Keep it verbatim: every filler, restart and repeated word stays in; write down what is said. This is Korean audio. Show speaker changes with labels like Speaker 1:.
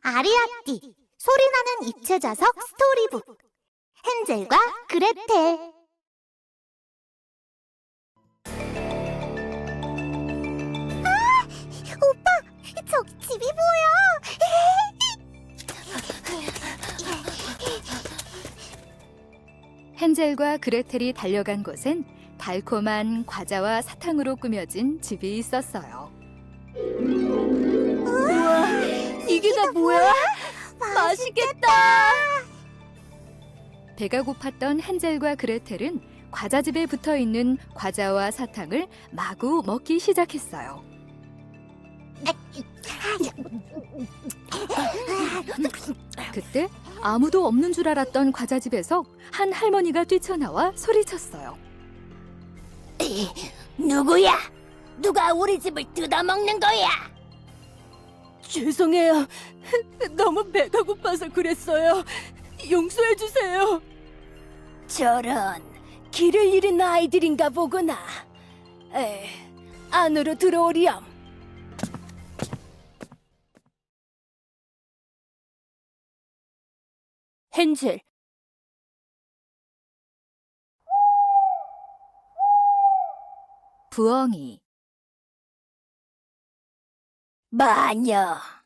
Speaker 1: 아리아띠 소리나는 입체 자석 스토리북 헨젤과 그레텔. 아! 오빠! 저기 집이 보여!
Speaker 2: 헨젤과 그레텔이 달려간 곳엔 달콤한 과자와 사탕으로 꾸며진 집이 있었어요.
Speaker 1: 우와!
Speaker 2: 이게 다 뭐야? 맛있겠다! 배가 고팠던 헨젤과 그레텔은 과자집에 붙어있는 과자와 사탕을 마구 먹기 시작했어요. 그때 아무도 없는 줄 알았던 과자집에서 한 할머니가 뛰쳐나와 소리쳤어요.
Speaker 3: 누구야? 누가 우리 집을 뜯어먹는 거야?
Speaker 2: 죄송해요. 너무 배가 고파서 그랬어요. 용서해 주세요.
Speaker 3: 저런 길을 잃은 아이들인가 보구나. 에, 안으로 들어오렴. 헨젤,
Speaker 2: 부엉이.
Speaker 3: 마녀.